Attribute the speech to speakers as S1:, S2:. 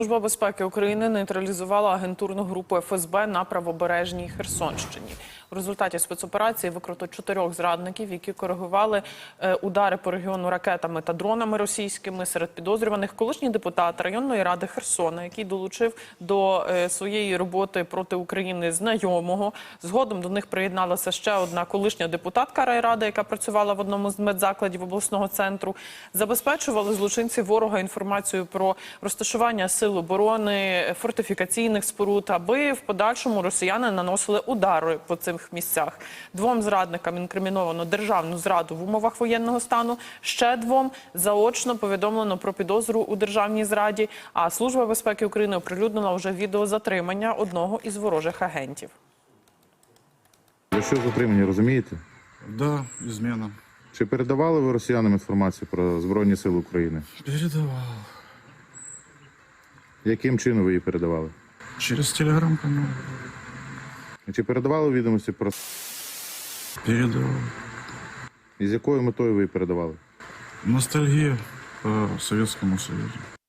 S1: Служба безпеки України нейтралізувала агентурну групу ФСБ на правобережній Херсонщині. У результаті спецоперації викрито 4 зрадників, які коригували удари по регіону ракетами та дронами російськими. Серед підозрюваних колишній депутат районної ради Херсона, який долучив до своєї роботи проти України знайомого. Згодом до них приєдналася ще одна колишня депутатка райради, яка працювала в одному з медзакладів обласного центру. Забезпечували злочинці ворога інформацію про розташування сил оборони, фортифікаційних споруд, аби в подальшому росіяни наносили удари по цих місцях. 2 зрадникам інкриміновано державну зраду в умовах воєнного стану, ще 2 заочно повідомлено про підозру у державній зраді, а Служба безпеки України оприлюднила вже відео затримання одного із ворожих агентів.
S2: Ви що затримані, розумієте?
S3: Да, измена.
S2: Чи передавали ви росіянам інформацію про Збройні Сили України?
S3: Передавал.
S2: Яким чином ви її передавали?
S3: Через телеграм-канал.
S2: Чи передавали відомості про...
S3: Передавал.
S2: І з якою метою ви її передавали?
S3: Ностальгия по Советскому Союзу.